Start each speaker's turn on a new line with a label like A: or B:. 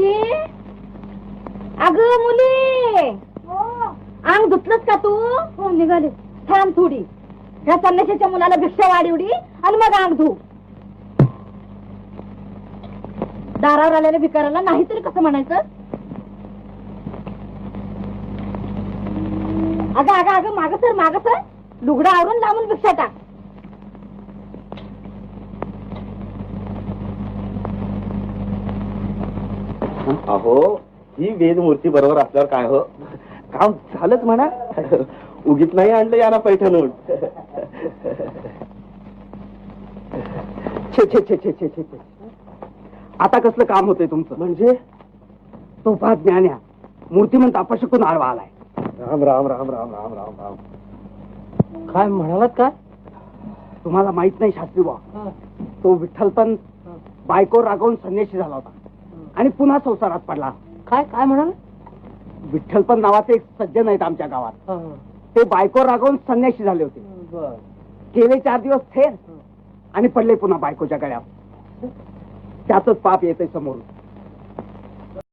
A: मुक्ती, अगं मुली, अंग धुतलंस का तू? हो निघाले. थांब थोडी, ह्या संन्याशाच्या मुलाला भिक्षा वाढवडी आणि मग अंग धू. दारावर आलेल्या भिकाराला नाहीतरी कसं म्हणायचं? अगं अगं अगं माग सर लुगडं आवरून लावून भिक्षा टाक.
B: अहो ही वेदमूर्ती बरोबर असल्यावर काय हो, काम झालंच म्हणा. उगीच नाही आणलं याला पैठणून.
C: छे छे छे छे छे छे छे. आता कसलं काम होतंय तुमचं?
B: म्हणजे
C: तो फार ज्ञान्या मूर्तिमंत अपशकून आडवा आलाय.
B: राम राम राम राम राम राम राम.
C: काय म्हणालात? काय तुम्हाला माहित नाही शास्त्री बा? तो विठ्ठलपण बायको रागवून संन्याशी झाला होता आणि पुन्हा संसारात पडला. काय काय म्हणाल? विठ्ठलपण नावाचे एक सज्जन आहेत आमच्या गावात. ते बायको रागवून संन्याशी झाले होते. गेले 4 दिवस थेर आणि पडले पुन्हा बायकोच्या गळ्यावर. त्याच पाप येते समोरून.